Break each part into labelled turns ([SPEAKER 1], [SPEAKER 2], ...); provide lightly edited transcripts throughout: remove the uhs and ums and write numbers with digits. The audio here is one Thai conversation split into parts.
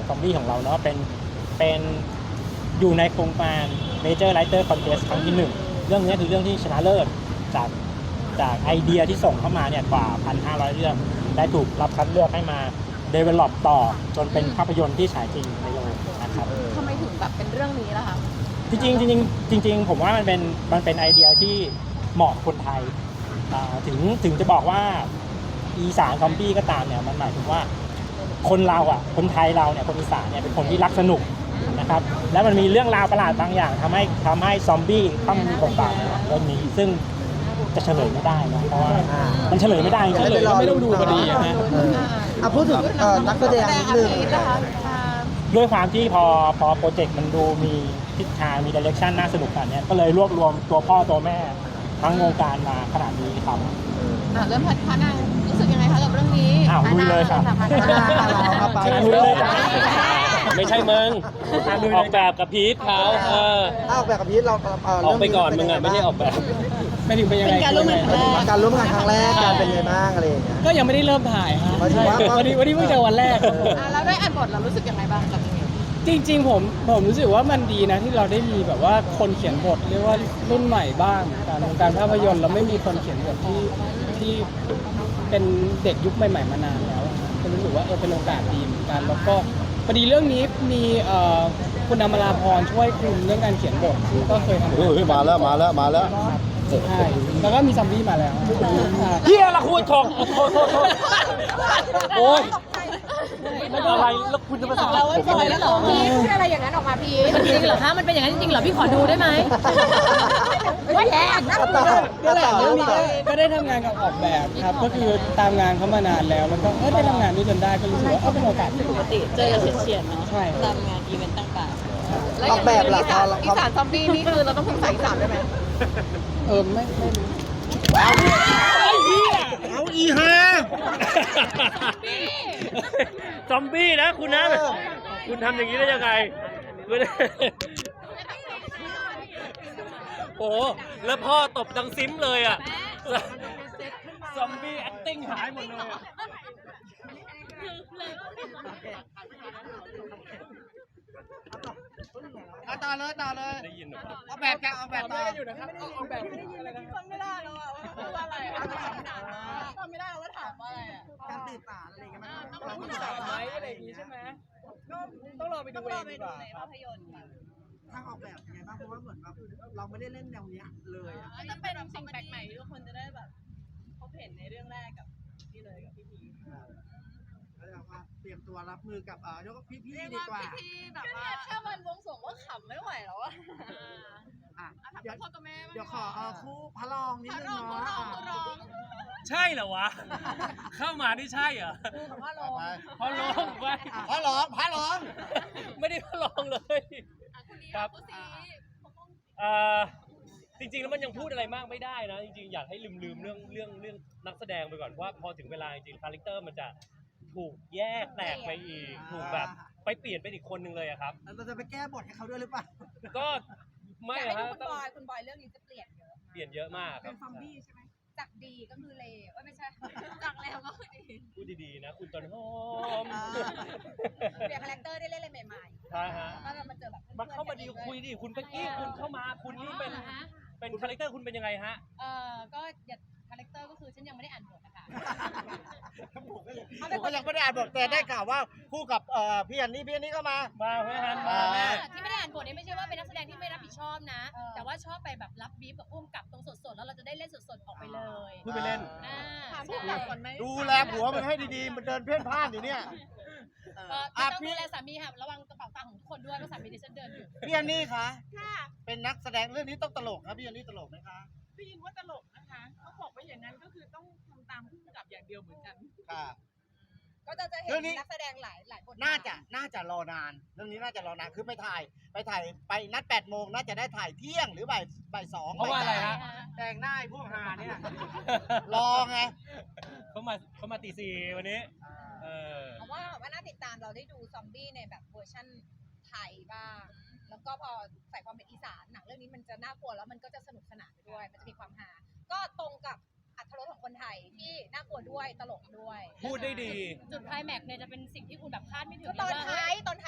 [SPEAKER 1] ซอมบี้ของเราเนาะเป็นอยู่ในโครงการ Major Writer Contest ครั้งที่1เรื่องนี้คือเรื่องที่ชนะเลิศจากไอเดียที่ส่งเข้ามาเนี่ยกว่า 1,500 เรื่องได้ถูกรับคัดเลือกให้มา develop ต่อจนเป็นภาพยนตร์ที่ฉายจริงในโรงนะครับ
[SPEAKER 2] ทำไมถึงแบบเป็นเรื่องนี้ล่ะคะ
[SPEAKER 1] จริงผมว่ามันเป็นไอเดียที่เหมาะคนไทยถึงจะบอกว่าอีสานซอมบี้ก็ตามเนี่ยมันหมายถึงว่าคนเราอ่ะคนไทยเราเนี่ยคนอีสานเนี่ยเป็นคนที่รักสนุกนะครับแล้วมันมีเรื่องราวประหลาดบางอย่างทำให้ซอมบี้เข้ามามีบทบาทในเรื่องนี้ซึ่งจะเฉลยไม่ได้นะเพราะว่ามันเฉลยไม่ได้จริงๆเลยไม่ต้องดูพอดีนะ
[SPEAKER 3] พูดถึงนักแสดงนิดนึง
[SPEAKER 1] ด้วยความที่พอโปรเจกต์มันดูมีทิศทางมีดิเรกชันน่าสนุกขนาดนี้ก็เลยรวบรวมตัวพ่อตัวแม่ทั้งวงการมาขนาดนี้ครับ
[SPEAKER 2] เริ่มพานารู้สึกยังไงคะกับเรื่องนี้
[SPEAKER 1] ลุยเลยครับ
[SPEAKER 3] ลุยเลย
[SPEAKER 4] ไม่ใช่มึงออกแบบกับพีทเขา
[SPEAKER 3] ออกแบบกับพีทเรา
[SPEAKER 4] ออกไปก่อนมึงอ่ะไม่ใช่ออกแบบ
[SPEAKER 1] ไม่ถึงเป็นยังไง
[SPEAKER 2] การร่วมงาน
[SPEAKER 3] ครั้งแรกการเป็นไงบ้างอะไรอย่างเงี้ย
[SPEAKER 1] ก็ยังไม่ได้เริ่มถ่ายครับวันนี้เพิ่งเจอวันแรก
[SPEAKER 2] แล้วได้อ่านบทเรารู้สึกยังไงบ้างกับเรื่องนี้
[SPEAKER 1] จริงๆผมรู้สึกว่ามันดีนะที่เราได้มีแบบว่าคนเขียนบทเรียกว่ารุ่นใหม่บ้างการภาพยนตร์เราไม่มีคนเขียนบทที่เป็นเด็กยุคใหม่ๆมานานแล้วก็รู้สึกว่าเป็นโอกาสดีเหมือนกันแล้วก็พอดีเรื่องนี้มีคุณอมราพรช่วยคุมเรื่องการเขียนบทก็เคยทำ
[SPEAKER 3] มาแล้ว
[SPEAKER 1] ใช่แล้วก็มีซอมบี้มาแล้ว
[SPEAKER 4] เฮียละคุณของโอ้ยไม่ได้อะไรแล้วคุณจะมาสั่ง
[SPEAKER 2] เราไม่ปล่อยแล้วหรอพี่พูดอะไรอย่างนั้นออกมาพี่
[SPEAKER 5] จริงเหรอคะมันเป็นอย่างนั้นจริงเหรอพี่ขอดูได้ไหม
[SPEAKER 2] ไม่แย่นะ
[SPEAKER 1] ก็แหละเรื่องนี้ก็ได้ทำงานกับออกแบบครับก็คือตามงานเขามานานแล้วแล้วก็ได้ทำงานด้วยจนได้ก็รู้สึกว่าเป็นโอกาส
[SPEAKER 2] ปกติเจอกันเฉียดๆเนาะตามงานอีเวนต์ต่าง
[SPEAKER 3] ๆออกแบบหลัก
[SPEAKER 2] อีสานซอมบี้นี่คือเราต้องพูดภาษาอีสานได้ไหม
[SPEAKER 1] ไม่
[SPEAKER 3] เอาอีฮะ
[SPEAKER 4] ซอมบี้นะคุณนะคุณทำอย่างนี้ได้ยังไงโอ้แล้วพ่อตบดังซิมเลยอ่ะซอมบี้แอคติ้งหายหมดเลย
[SPEAKER 3] ต่อเลย
[SPEAKER 4] ได้ยินหรอ
[SPEAKER 3] ออกแบบต่อ
[SPEAKER 1] อยู่นะครับออกแบบ
[SPEAKER 2] คนไม่ได้แล้วอ่ะว่าอะไรทำไม่ได้ว่าถามว่าอะไรอ่ะ
[SPEAKER 3] การตื่นสารอะไรอย่างเงี้ยมัน
[SPEAKER 1] ต้องสารไหมอะไรอย่างงี้ใช่ไหมก็ต้องรอไปดูเองดีกว่า
[SPEAKER 2] ภาพยนตร์
[SPEAKER 3] ทางออกแบบยังไงบ้างเพราะว่าเหมือนแบบเราไม่ได้เล่นแนวนี้เลย
[SPEAKER 2] จะเป็นสิ่งแปลกใหม่ที่ทุกคนจะได้แบบพบเห็นในเรื่องแรกกับพี่เลยกับพี่พี
[SPEAKER 3] แล้วก็เตรียมตัวรับมือกับยกพี่ดีกว่า
[SPEAKER 2] พี่แบบว่าแค่วันวงสวงก็ขำไม่ไหวแล้วอ่ะเดี๋
[SPEAKER 3] ยวขอคู่พระรองนิดนึงเนาะ
[SPEAKER 4] ใช่เหรอวะเข้ามานี่ใช่เหรอ
[SPEAKER 2] พระรอง
[SPEAKER 4] พระรองไป
[SPEAKER 3] พระรอง
[SPEAKER 4] ไม่ได้พระรองเลยครับจริงๆแล้วมันยังพูดอะไรมากไม่ได้นะจริงๆอยากให้ลืมเรื่องนักแสดงไปก่อนว่าพอถึงเวลาจริงๆคาแรคเตอร์มันจะถูกแยกแตกไปอีกถูกแบบไปเปลี่ยนเป็นอีกคนนึงเลยครับ
[SPEAKER 3] เราจะไปแก้บทให้เขาด้วยหรือเปล่า
[SPEAKER 4] ก็ไม่ครับ
[SPEAKER 2] คุณบอยเรื่องนี้จะเปลี่ยน
[SPEAKER 4] เยอะมาก
[SPEAKER 2] เป็นซอมบี้ใช่ไหมจากดีก็คือเลวไม่ใช่จากเลวก็คือดี
[SPEAKER 4] พูดดีๆนะคุณต้นหอม
[SPEAKER 2] เปลี่ยนคาแรคเตอร์ได้เล่นอะไรใหม่ๆ
[SPEAKER 4] ใช่ฮะ
[SPEAKER 2] มาเจอแบบ
[SPEAKER 4] มาเข้ามาดีคุยดิคุณเป๊กกี้คุณเข้ามาคุณนี่เป็นคาแรคเตอร์คุณเป็นยังไงฮะ
[SPEAKER 2] ก็อย่าคาแรคเตอร์ก็คือฉันยังไม่ได้อ่านบทนะคะ
[SPEAKER 3] ผมก็ยังไม่ได้อ่านบทแต่ได้ข่าวว่าคู่กับพี่อันนี้ก็มา
[SPEAKER 4] พี่ฮันมาแม่
[SPEAKER 5] ที่ไม่ได้อ่านบทนี่ไม่ใช่ว่าเป็นนักแสดงที่ไม่รับผิดชอบนะแต่ว่าชอบไปแบบรับบีฟกับอุ้มกับตรงสดๆแล้วเราจะได้เล่นสดๆออกไปเลย
[SPEAKER 4] พูดไปเล่น
[SPEAKER 3] ดูแลผัวมันให้ดีๆมันเดินเพ่นพ่านอยู่เนี่ย
[SPEAKER 5] ต้องดูแลสามีค่ะระวังกระเป๋าตังค์ของทุกคนด้วยเพราะสามีดิฉันเดินอยู่
[SPEAKER 3] พี่อันนี้คะเป็นนักแสดงเรื่องนี้ต้องตลกครับพี่อันนี้ตลกไหมคะ
[SPEAKER 2] ได้ยินว่าตลกนะคะเขาบอกว่าอย่างนั้นก็คือต้องทำตามผู้กำกับอย่างเดียวเหมือนกัน
[SPEAKER 3] ค่ะ
[SPEAKER 2] ก็จะเห็นนักแสดงหลายคน
[SPEAKER 3] น่าจะรอนานเรื่องนี้น่าจะรอนานคือไปถ่ายไปนัด8 โมงน่าจะได้ถ่ายเที่ยงหรือบ่าย 2
[SPEAKER 4] เพราะว่าอะไรฮะ
[SPEAKER 3] แต่งหน้าพวกหาเนี่ยรอไง
[SPEAKER 4] เขามาตี 4วันนี้
[SPEAKER 2] ว่าน่าติดตามเราได้ดูซอมบี้ในแบบเวอร์ชั่นไทยบ้างแล้วก็พอใส่ความเป็นอีสานหนังเรื่องนี้มันจะน่ากลัวแล้วมันก็จะสนุกสนานไปด้วยมันจะมีความฮาก็ตรงกับอรรถรสของคนไทยที่น่ากลัวด้วยตลกด้วย
[SPEAKER 4] พูดได้ดี
[SPEAKER 5] จุดไคลแม็กซ์เนี่ยจะเป็นสิ่งที่คุณแบบคาดไม่ถึง
[SPEAKER 2] ตอนท้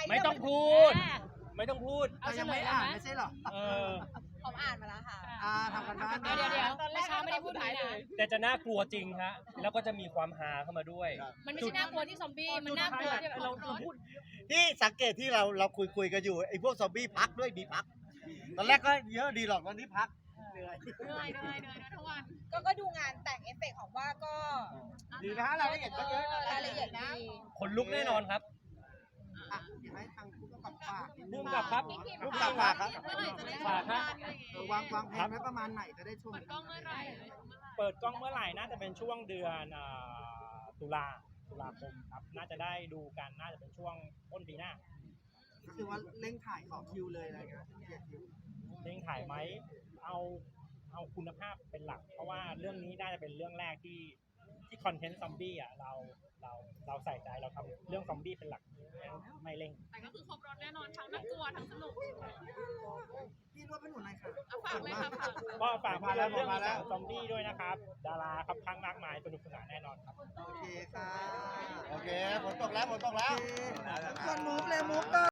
[SPEAKER 4] ไม่ต้องพูด ไม่ต้องพูด
[SPEAKER 5] เอา
[SPEAKER 3] เรา
[SPEAKER 5] เฉ
[SPEAKER 3] ยัง
[SPEAKER 5] ล
[SPEAKER 3] ไม่
[SPEAKER 5] ยเลย
[SPEAKER 3] อ่าน
[SPEAKER 5] ไหม
[SPEAKER 3] ไม่ใช่เหรอ
[SPEAKER 4] เออ
[SPEAKER 2] ผมอ่านมาแล้วค่ะ
[SPEAKER 3] ทำกันบ้าน
[SPEAKER 5] เดี๋ยวเมื่อเช้าไม่ได้พูดนี้นะ
[SPEAKER 4] แต่จะน่ากลัวจริงฮะ แล้วก็จะมีความฮาเข้ามาด้วย
[SPEAKER 5] มันไม่ใช่น่ากลัวที่ซอมบี้ มันน่ากลัวที่แบบ
[SPEAKER 4] เราพูด
[SPEAKER 3] ที่สังเกตที่เราคุยกันอยู่ไอ้พวกซอมบี้พักด้วยมีพัก ตอนแรกก็เยอะดีหรอกตอนนี้พักเหนื่อย
[SPEAKER 5] ทุกวัน
[SPEAKER 2] ก็ดูงานแต่งเอฟเฟกต์ของว่าก็
[SPEAKER 3] ดีนะรายละเอียดก็เยอะ
[SPEAKER 2] รายละเอียดดี
[SPEAKER 4] คนลุกแน่นอนครับ
[SPEAKER 3] อ่ะเดี๋ยวให้ทางผู้กำกับฝาก
[SPEAKER 4] ภูมิกับครับ
[SPEAKER 3] ผู้กำกับฝากครับ
[SPEAKER 4] ฝากฮะ
[SPEAKER 3] วางแผนไว้ประมาณไหนจะได้ชม
[SPEAKER 5] กล้องเมื่อไหร่
[SPEAKER 1] เปิดกล้องเมื่อไหร่น่าจะเป็นช่วงเดือนตุลาคมครับน่าจะได้ดูกันน่าจะเป็นช่วงต้นปีหน้า
[SPEAKER 3] ก็คือว่าเร่งถ่ายของคิวเลยอะไรเงี้ยเกียรคิว
[SPEAKER 1] เร่งถ่ายไหมเอาคุณภาพเป็นหลัก เพราะว่าเรื่องนี้น่าจะเป็นเรื่องแรกที่คอนเทนต์ซอมบี้อ่ะเราใส่ใจเราทำเรื่องซอมบี้เป็นหลักไม่เร่ง
[SPEAKER 5] แต่ก็คือครบรถแน่นอนทั้งน่ากลัวทั้งสนุก
[SPEAKER 3] พี่รวบเป็นหนูหน่อยค่ะ
[SPEAKER 5] ฝากเลยค่ะฝาก
[SPEAKER 1] ก็ฝากเรื่อง
[SPEAKER 3] มาแล้ว
[SPEAKER 1] ซอมบี้ด้วยนะครับ ดาราครับข้างมากมายสนุกสนานแน่นอนครับ
[SPEAKER 3] โอเคค่ะ โอเคฝนตกแล้วฝนตกแล้วส่วนมุกเลยมุกก็